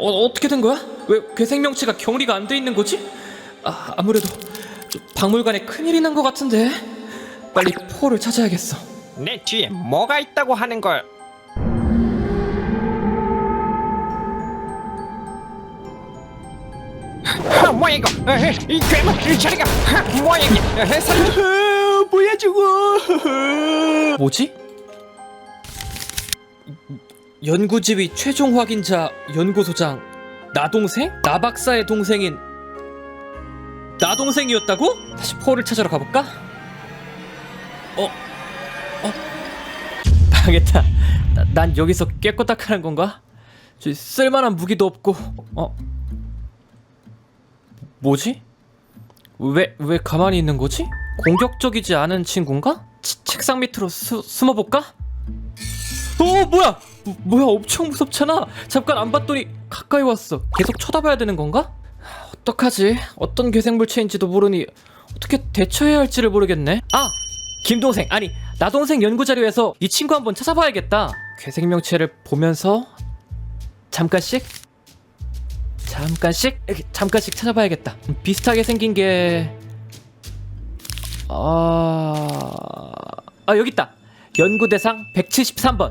어떻게 된 거야? 왜 괴생명체가 격리가 안 돼 있는 거지? 아무래도 박물관에 큰일이 난 것 같은데. 빨리 포를 찾아야겠어. 내 뒤에 뭐가 있다고 하는 걸? 뭐야 이거? 이 괴물 이 자리가 뭐야 이게? 살려! 뭐야 저거? 뭐지? 연구지휘 최종 확인자 연구소장 나 동생? 나 박사의 동생인 나 동생이었다고? 다시 포를 찾으러 가볼까? 망했다. 난 여기서 깨꼬딱하는 건가? 저 쓸만한 무기도 없고. 뭐지? 왜 가만히 있는 거지? 공격적이지 않은 친구인가? 책상 밑으로 숨어볼까? 뭐야 엄청 무섭잖아. 잠깐 안 봤더니 가까이 왔어. 계속 쳐다봐야 되는 건가? 어떡하지? 어떤 괴생물체인지도 모르니 어떻게 대처해야 할지를 모르겠네. 김동생, 아니 나동생 연구자료에서 이 친구 한번 찾아봐야겠다. 괴생명체를 보면서 잠깐씩 찾아봐야겠다. 비슷하게 생긴 게 여기 있다. 연구대상 173번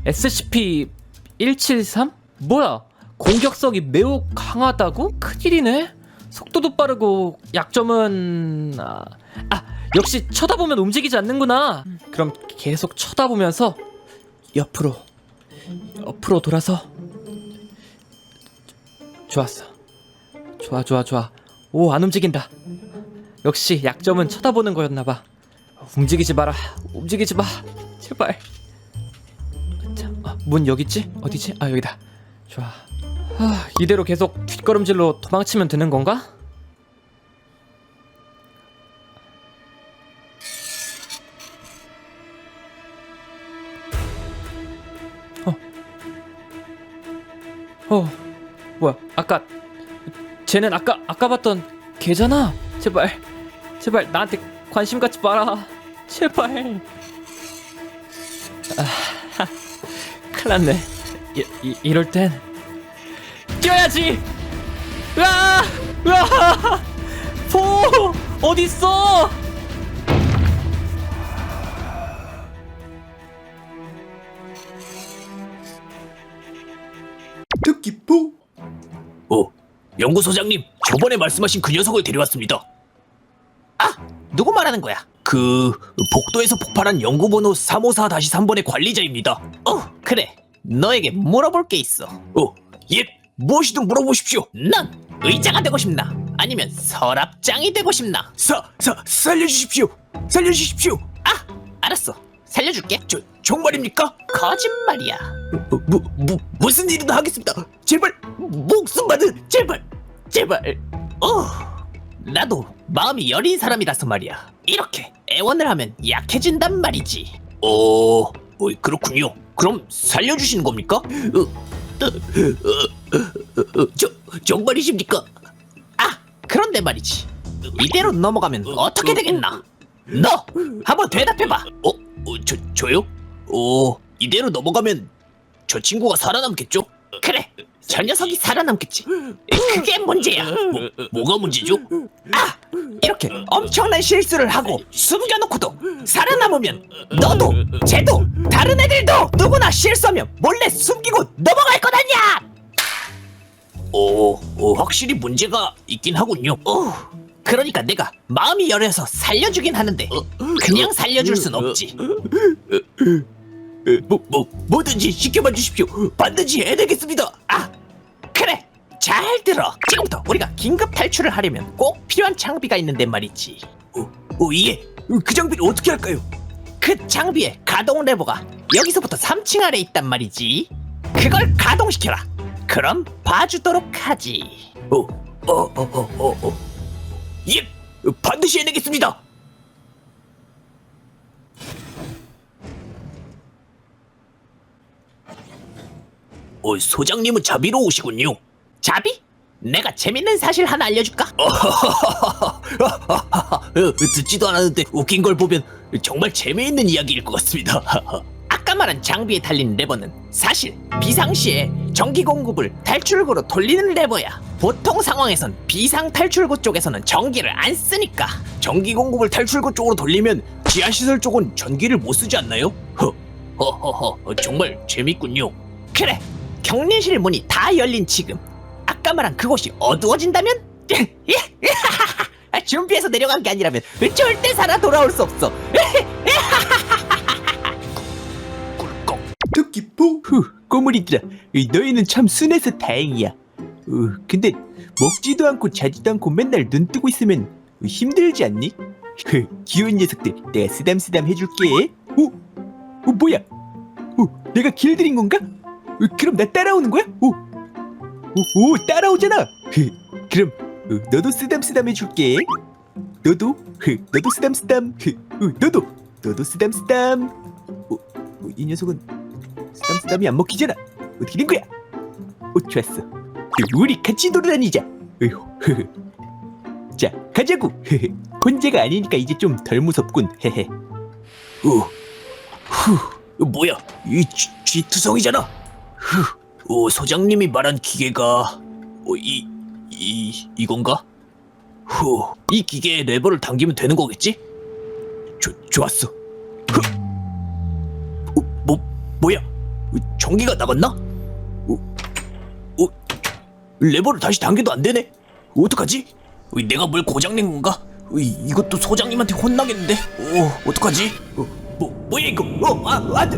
SCP-173? 뭐야? 공격성이 매우 강하다고? 큰일이네. 속도도 빠르고 약점은 역시 쳐다보면 움직이지 않는구나. 그럼 계속 쳐다보면서 옆으로 돌아서. 좋았어. 좋아. 오, 안 움직인다. 역시 약점은 쳐다보는 거였나봐. 움직이지 마라. 움직이지 마. 제발. 자, 문 여기 있지? 어디지? 여기다. 좋아. 이대로 계속 뒷걸음질로 도망치면 되는 건가? 뭐야? 쟤는 아까 봤던 걔잖아. 제발 나한테 관심 갖지 마라. 제발. 큰일 났네. 이럴 땐 뛰어야지. 으아! 포 어딨어? 토끼포. 연구소장님, 저번에 말씀하신 그 녀석을 데려왔습니다. 누구 말하는 거야? 그 복도에서 폭발한 연구번호 354-3번의 관리자입니다. 그래. 너에게 물어볼 게 있어. 예, 무엇이든 물어보십시오. 넌 의자가 되고 싶나? 아니면 서랍장이 되고 싶나? 살려주십시오. 알았어. 살려줄게. 정말입니까? 거짓말이야. 무슨 일이든 하겠습니다. 제발 목숨만은 제발. 나도 마음이 여린 사람이라서 말이야. 이렇게 애원을 하면 약해진단 말이지. 그렇군요. 그럼 살려주시는 겁니까? 정말이십니까? 그런데 말이지. 이대로 넘어가면 어떻게 되겠나? 너 한번 대답해봐. 저요? 이대로 넘어가면 저 친구가 살아남겠죠? 그래. 저 녀석이 살아남겠지. 그게 문제야. 뭐가 문제죠? 이렇게 엄청난 실수를 하고 숨겨놓고도 살아남으면 너도 쟤도 다른 애들도 누구나 실수하면 몰래 숨기고 넘어갈 것 아니야. 확실히 문제가 있긴 하군요. 그러니까 내가 마음이 열려서 살려주긴 하는데 그냥 살려줄 순 없지. 뭐든지 시켜봐 주십시오. 반드시 해내겠습니다. 그래. 잘 들어. 지금부터 우리가 긴급 탈출을 하려면 꼭 필요한 장비가 있는데 말이지. 예. 그 장비를 어떻게 할까요? 그 장비의 가동 레버가 여기서부터 3층 아래에 있단 말이지. 그걸 가동시켜라. 그럼 봐주도록 하지. 예. 반드시 해내겠습니다. 소장님은 자비로우시군요. 자비? 내가 재밌는 사실 하나 알려줄까? 듣지도 않았는데 웃긴 걸 보면 정말 재미있는 이야기일 것 같습니다. 아까 말한 장비에 달린 레버는 사실 비상시에 전기 공급을 탈출구로 돌리는 레버야. 보통 상황에선 비상 탈출구 쪽에서는 전기를 안 쓰니까. 전기 공급을 탈출구 쪽으로 돌리면 지하시설 쪽은 전기를 못 쓰지 않나요? 허허허 정말 재밌군요. 그래, 격리실 문이 다 열린 지금 아까 말한 그곳이 어두워진다면? 준비해서 내려간 게 아니라면 절대 살아 돌아올 수 없어. 꿀꺽. 토끼포. 꼬물이들아, 너희는 참 순해서 다행이야. 근데 먹지도 않고 자지도 않고 맨날 눈 뜨고 있으면 힘들지 않니? 귀여운 녀석들, 내가 쓰담쓰담 해줄게. 뭐야? 내가 길들인 건가? 그럼 나 따라오는 거야? 따라오잖아. 그럼 너도 쓰담쓰담 해줄게. 너도 쓰담쓰담. 너도 쓰담쓰담. 이 녀석은 쓰담쓰담이 안 먹히잖아. 어떻게 된 거야? 좋았어. 우리 같이 돌아다니자. 자, 가자고. 혼자가 아니니까 이제 좀 덜 무섭군. 뭐야? 이 쥐투성이잖아. 소장님이 말한 기계가 이건가? 이 기계에 레버를 당기면 되는 거겠지? 좋았어. 뭐야? 전기가 나갔나? 레버를 다시 당겨도 안 되네. 어떡하지? 내가 뭘 고장낸 건가? 이것도 소장님한테 혼나겠는데? 어떡하지? 뭐야 이거? 안 돼!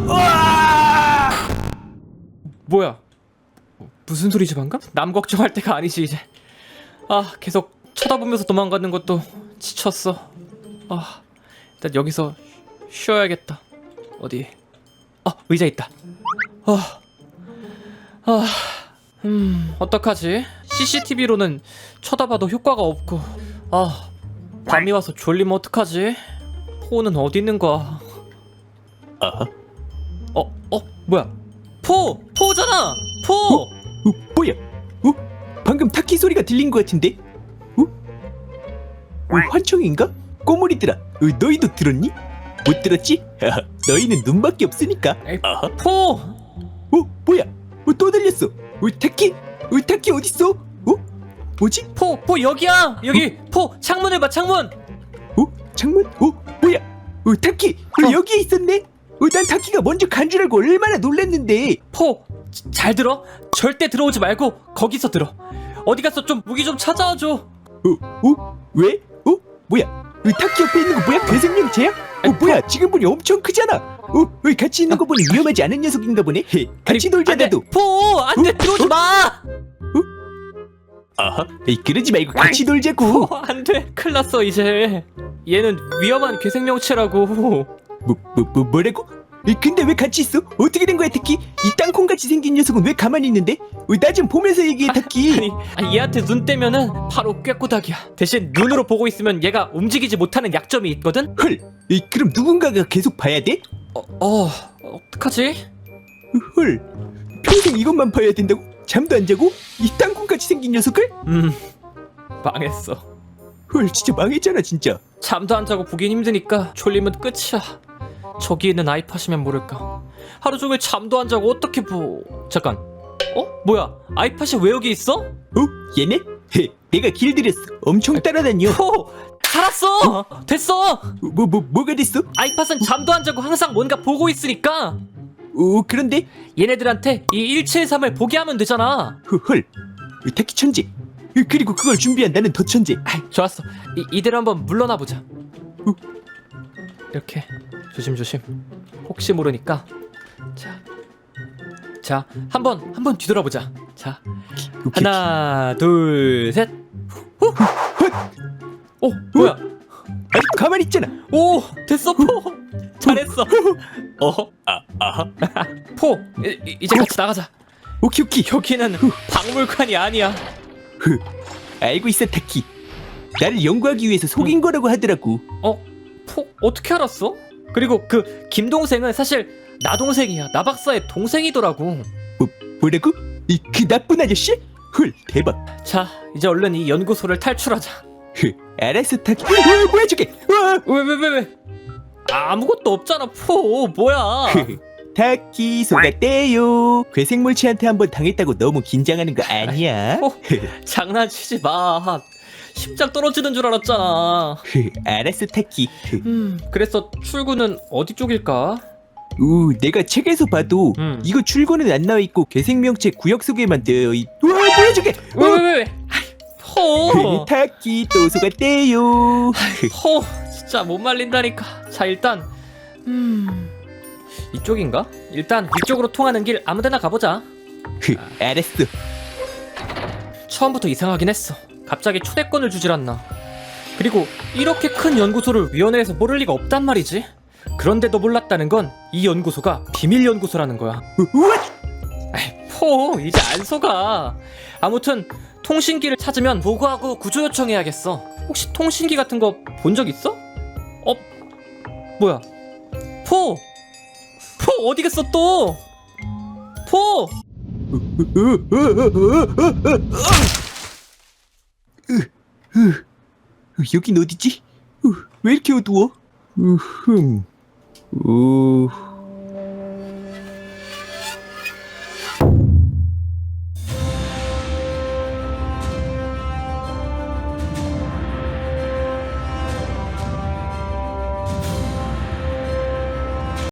뭐야? 무슨 소리지 방금? 남 걱정할 때가 아니지 이제. 계속 쳐다보면서 도망가는 것도 지쳤어. 일단 여기서 쉬어야겠다. 어디? 의자 있다. 어떡하지? CCTV로는 쳐다봐도 효과가 없고. 밤이 와서 졸리면 어떡하지? 포는 어디 있는 거야? 뭐야? 포잖아! 포! 뭐야? 방금 타키 소리가 들린 것 같은데? 환청인가? 꼬물이들아, 너희도 들었니? 못 들었지? 너희는 눈밖에 없으니까. 포! 뭐야? 또 들렸어. 타키? 타키 어딨어? 뭐지? 포 여기야! 여기! 포! 창문을 봐, 창문! 창문? 뭐야? 타키! 여기에 있었네? 난 타키가 먼저 간 줄 알고 얼마나 놀랐는데. 포! 잘 들어? 절대 들어오지 말고 거기서 들어. 어디 가서 좀 무기 좀 찾아와줘. 왜? 뭐야? 타키 옆에 있는 거 뭐야? 괴생명체야? 뭐야? 지금 보니 엄청 크잖아. 같이 있는 거 보니 위험하지 않은 녀석인가 보네. 같이 놀자 나도. 포! 안 돼! 들어오지 마! 그러지 말고 같이 놀자고. 안 돼! 큰일 났어 이제. 얘는 위험한 괴생명체라고. 뭐라고? 근데 왜 같이 있어? 어떻게 된 거야 타키? 이 땅콩같이 생긴 녀석은 왜 가만히 있는데? 나 좀 보면서 얘기해 타키. 얘한테 눈 떼면은 바로 꾀꼬닥이야. 대신 눈으로 보고 있으면 얘가 움직이지 못하는 약점이 있거든? 헐, 그럼 누군가가 계속 봐야 돼? 어떡하지? 헐, 평생 이것만 봐야 된다고? 잠도 안 자고? 이 땅콩같이 생긴 녀석을? 망했어. 헐, 진짜 망했잖아 진짜. 잠도 안 자고 보긴 힘드니까 졸리면 끝이야. 저기 있는 아이팟이면 모를까. 하루 종일 잠도 안 자고 어떻게 잠깐. 뭐야? 아이팟이 왜 여기 있어? 얘네? 내가 길들였어. 엄청 따라다녀. 살았어! 됐어! 뭐가 됐어? 아이팟은 잠도 안 자고 항상 뭔가 보고 있으니까. 그런데? 얘네들한테 이 173을 보게 하면 되잖아. 헐, 타키 천재. 그리고 그걸 준비한 나는 더 천재. 좋았어. 이대로 한번 물러나 보자. 이렇게 조심조심. 혹시 모르니까. 자, 한번 뒤돌아보자. 자, 하나, 둘, 셋. 뭐야? 아직 가만히 있잖아. 오, 됐어 포. 잘했어. 포, 이제 같이 나가자. 오케이. 여기는 박물관이 아니야. 알고 있어 타키. 나를 연구하기 위해서 속인 거라고 하더라고. 포 어떻게 알았어? 그리고 그 김동생은 사실 나 동생이야. 나 박사의 동생이더라고. 뭐라고? 그 나쁜 아저씨? 헐, 대박. 자, 이제 얼른 이 연구소를 탈출하자. 알았어 타키. 뭐야 저게? 왜? 아무것도 없잖아. 포 뭐야? 타키 속았대요. 괴생물체한테 한번 당했다고 너무 긴장하는 거 아니야? 포 장난치지 마. 심장 떨어지는 줄 알았잖아. 알았어 타키. 그래서 출구는 어디 쪽일까? 내가 책에서 봐도 이거 출구는 안 나와 있고 괴생명체 구역 속에만 되어 있. 우와 뭐야 저게? 왜? 포. 타키 또 속았대요. 포 진짜 못 말린다니까. 자 일단 이쪽인가? 일단 위쪽으로 통하는 길 아무데나 가보자. 알았어. 처음부터 이상하긴 했어. 갑자기 초대권을 주질 않나. 그리고 이렇게 큰 연구소를 위원회에서 모를 리가 없단 말이지. 그런데도 몰랐다는 건 이 연구소가 비밀 연구소라는 거야. 우와! 에이, 포 이제 안 속아. 아무튼 통신기를 찾으면 보고하고 구조 요청해야겠어. 혹시 통신기 같은 거 본 적 있어? 뭐야? 포 어디 갔어 또? 포! 여긴 어디지? 왜 이렇게 어두워?